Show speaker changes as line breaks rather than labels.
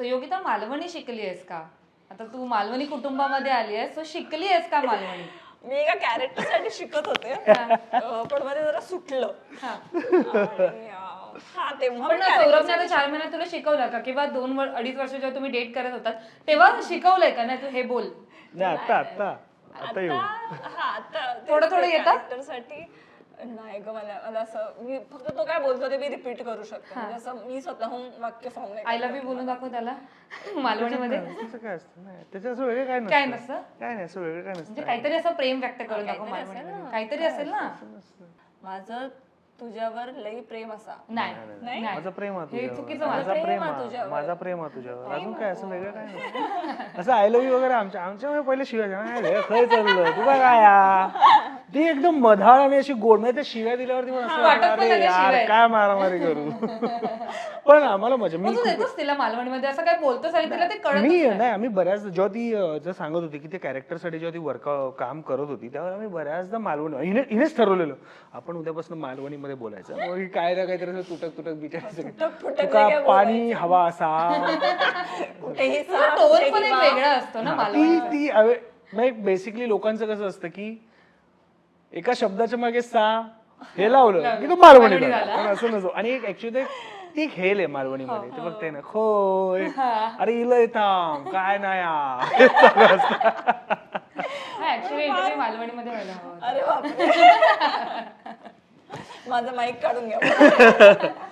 योगिता मालवणी शिकली आहेस का? आता तू मालवणी कुटुंबामध्ये आली आहेस, सो शिकली आहेस का मालवणी?
मी एका कॅरेक्टरसाठी शिकत होते पण मध्ये जरा सुटलं. हा तेव्हा
पण सौरभने आता 4 महिन्यात तुला शिकवलं का? किंवा 2-2.5 वर्ष जेव्हा तुम्ही डेट करत होतात तेव्हा शिकवलंय का? नाही तू हे बोल.
नाही आता
थोडं येतं?
कॅरेक्टरसाठी नाही ग, मला असं मी फक्त तो काय बोलतो ते मी रिपीट करू शकते. म्हणजे असं मी स्वतःहून वाक्य फॉर्म नाही.
आय लव्ह यू बोलून दाखव त्याला मालवणीमध्ये.
त्याचं काय असतं नाही, त्याच्या असं वेगळं
काय नसतं?
काय नाही, असं वेगळं काय नसतं.
म्हणजे काहीतरी असं प्रेम व्यक्त करून दाखव मालवणीमध्ये. काहीतरी असेल ना.
माझं तुझ्यावर लई प्रेम असा.
नाही
माझं प्रेम आहे
हे
तुझ्यावर,
चुकीचं
माझा प्रेम आहे, माझा प्रेम आहे तुझ्यावर. अजून काय असं वेगळं काय नाही. असं आय लव्ह यू वगैरे आमच्या पहिले शिवाय खय चाललं तुला काय ती एकदम मधाळ आणि अशी गोड नाही, त्या शिव्या दिल्यावरती पण असं वाटतं, अरे यार काय मारामारी करू. पण आम्हाला मजा मी
देतोस तिला मालवणीमध्ये असं काय बोलतोस आणि तिला ते कळत
नाही आम्ही बऱ्याच जेव्हा ती जर सांगत होती की ते कॅरेक्टरसाठी जेव्हा ती काम करत होती त्यावर आम्ही बऱ्याचदा मालवणी हिनेच ठरवलेलं आपण उद्यापासून मालवणीमध्ये बोलायचं. मग काय ना काहीतरी तुटक बिचारायचं तुका पाणी हवा असा
टोन पण एक वेगळा असतो ना मालवणी.
बेसिकली लोकांचं कसं असतं की एका शब्दाच्या मागे सा हे लावलं की तो मालवणी झाला, पण असं नसतो. आणि एक ऍक्च्युली ती खेळ आहे मालवणीमध्ये, ते बघते ना खोय अरे इलय थांब काय नाही
ऍक्च्युली मालवणीमध्ये व्हायला हवं.
अरे बापरे माझं माईक काढून घ्या.